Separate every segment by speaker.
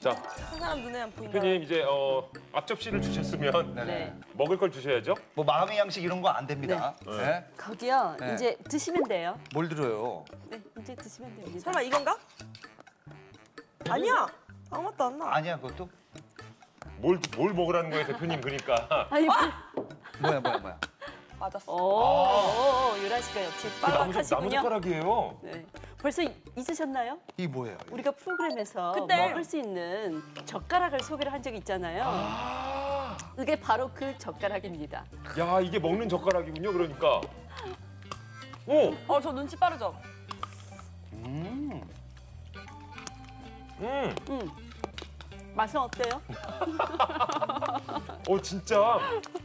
Speaker 1: 자,
Speaker 2: 한 사람 눈에 안 보인다.
Speaker 1: 대표님 이제 앞접시를 주셨으면
Speaker 3: 네.
Speaker 1: 먹을 걸 주셔야죠.
Speaker 3: 뭐 마음의 양식 이런 거 안 됩니다. 네.
Speaker 4: 거기요.
Speaker 3: 네.
Speaker 4: 이제 드시면 돼요.
Speaker 3: 뭘 들어요?
Speaker 4: 네, 이제 드시면 됩니다.
Speaker 2: 설마 이건가? 아니야. 아무 맛도 안 나.
Speaker 3: 아니야 그것도?
Speaker 1: 뭘 먹으라는 거예요, 대표님. 그러니까.
Speaker 4: 아니,
Speaker 3: 뭐야?
Speaker 2: 맞았어.
Speaker 4: 오, 유라 씨가 역시
Speaker 1: 그 나무
Speaker 4: 빠박하시군요.
Speaker 1: 젓가락이에요.
Speaker 4: 네. 벌써 잊으셨나요?
Speaker 3: 이 뭐예요? 이게?
Speaker 4: 우리가 프로그램에서
Speaker 2: 그때.
Speaker 4: 먹을 수 있는 젓가락을 소개를 한 적이 있잖아요.
Speaker 1: 아,
Speaker 4: 이게 바로 그 젓가락입니다.
Speaker 1: 야, 이게 먹는 젓가락이군요. 그러니까. 오,
Speaker 2: 저 눈치 빠르죠?
Speaker 4: 맛은 어때요?
Speaker 1: 진짜.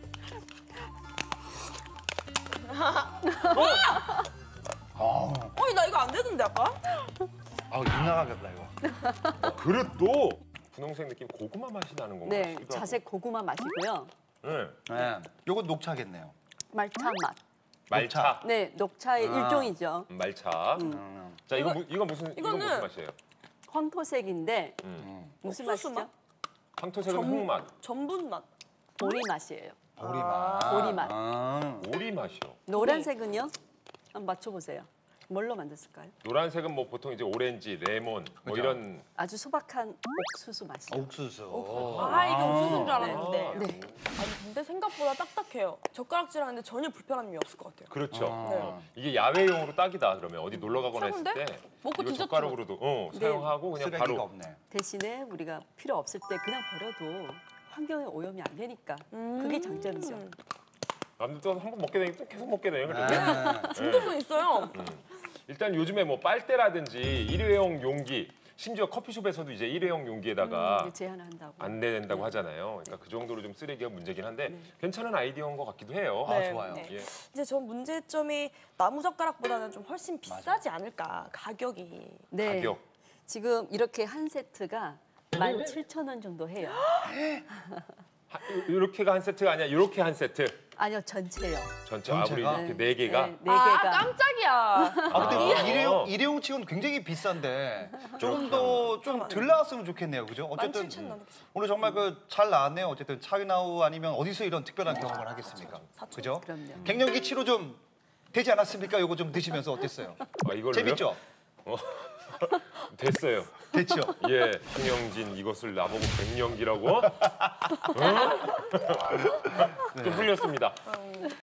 Speaker 2: 나 이거 안 되던데 아까?
Speaker 3: 아우 입 나가겠다 이거.
Speaker 1: 그릇도 분홍색 느낌 고구마 맛이 나는 건가요?
Speaker 4: 네, 자색 고구마 맛이고요.
Speaker 1: 네.
Speaker 3: 네. 요건 녹차겠네요.
Speaker 4: 말차 맛.
Speaker 1: 말차.
Speaker 4: 네, 녹차의
Speaker 3: 아.
Speaker 4: 일종이죠.
Speaker 1: 말차. 이거 이건 무슨
Speaker 2: 이거는
Speaker 1: 맛이에요?
Speaker 4: 황토색인데 무슨
Speaker 2: 옥수수
Speaker 4: 맛이죠?
Speaker 1: 황토색은 흙맛.
Speaker 2: 전분 맛.
Speaker 4: 보리 맛이에요.
Speaker 3: 보리맛.
Speaker 4: 보리맛.
Speaker 1: 오리 맛이요.
Speaker 4: 노란색은요? 한번 맞춰보세요. 뭘로 만들었을까요?
Speaker 1: 노란색은 뭐 보통 이제 오렌지, 레몬 뭐
Speaker 3: 그죠.
Speaker 1: 이런.
Speaker 4: 아주 소박한 옥수수 맛이요.
Speaker 3: 옥수수.
Speaker 2: 이게 옥수수인 줄 알았는데.
Speaker 4: 네.
Speaker 2: 아니 근데 생각보다 딱딱해요. 젓가락질하는데 전혀 불편함이 없을 것 같아요.
Speaker 1: 그렇죠.
Speaker 2: 네.
Speaker 1: 이게 야외용으로 딱이다. 그러면 어디 놀러 가거나 했을
Speaker 2: 최고인데?
Speaker 1: 때
Speaker 2: 먹고
Speaker 1: 이거
Speaker 2: 디저트.
Speaker 1: 젓가락으로도
Speaker 4: 네.
Speaker 1: 사용하고 그냥
Speaker 3: 쓰레기가
Speaker 1: 바로.
Speaker 3: 없네.
Speaker 4: 대신에 우리가 필요 없을 때 그냥 버려도 환경에 오염이 안 되니까 그게 장점이죠.
Speaker 1: 남들도 한 번 먹게 되니까 또 계속 먹게 되요 그래서.
Speaker 3: 네.
Speaker 2: 중독성 있어요.
Speaker 1: 일단 요즘에 뭐 빨대라든지 일회용 용기, 심지어 커피숍에서도 이제 일회용 용기에다가
Speaker 4: 이제 제한을 한다고.
Speaker 1: 안 내낸다고 하잖아요. 그러니까 그 정도로 좀 쓰레기가 문제긴 한데 괜찮은 아이디어인 것 같기도 해요.
Speaker 3: 아, 좋아요.
Speaker 1: 예.
Speaker 2: 이제 전 문제점이 나무 젓가락보다는 좀 훨씬 비싸지 않을까 가격이.
Speaker 4: 네.
Speaker 1: 가격.
Speaker 4: 지금 이렇게 한 세트가 17,000원 정도 해요.
Speaker 1: 이렇게가 한 세트가 아니야. 이렇게 한 세트.
Speaker 4: 아니요, 전체요.
Speaker 1: 전체
Speaker 3: 전체가?
Speaker 1: 우리 이렇게 네 개가.
Speaker 4: 네, 네 개가.
Speaker 2: 깜짝이야.
Speaker 3: 아 근데
Speaker 1: 아.
Speaker 3: 일회용 치고는 굉장히 비싼데 조금 더 좀 덜 나왔으면 좋겠네요, 그죠? 어쨌든
Speaker 2: 17,000원 나도 비싸.
Speaker 3: 오늘 정말 그 잘 나왔네요. 어쨌든 차이나우 아니면 어디서 이런 특별한 경험을 하겠습니까? 그죠?
Speaker 4: 그럼요.
Speaker 3: 갱년기 치료 좀 되지 않았습니까? 요거 좀 드시면서 어땠어요?
Speaker 1: 이걸로요?
Speaker 3: 재밌죠?
Speaker 1: 됐어요.
Speaker 3: 됐죠?
Speaker 1: 예, 김영진 이것을 나보고 갱년기라고? 좀 풀렸습니다.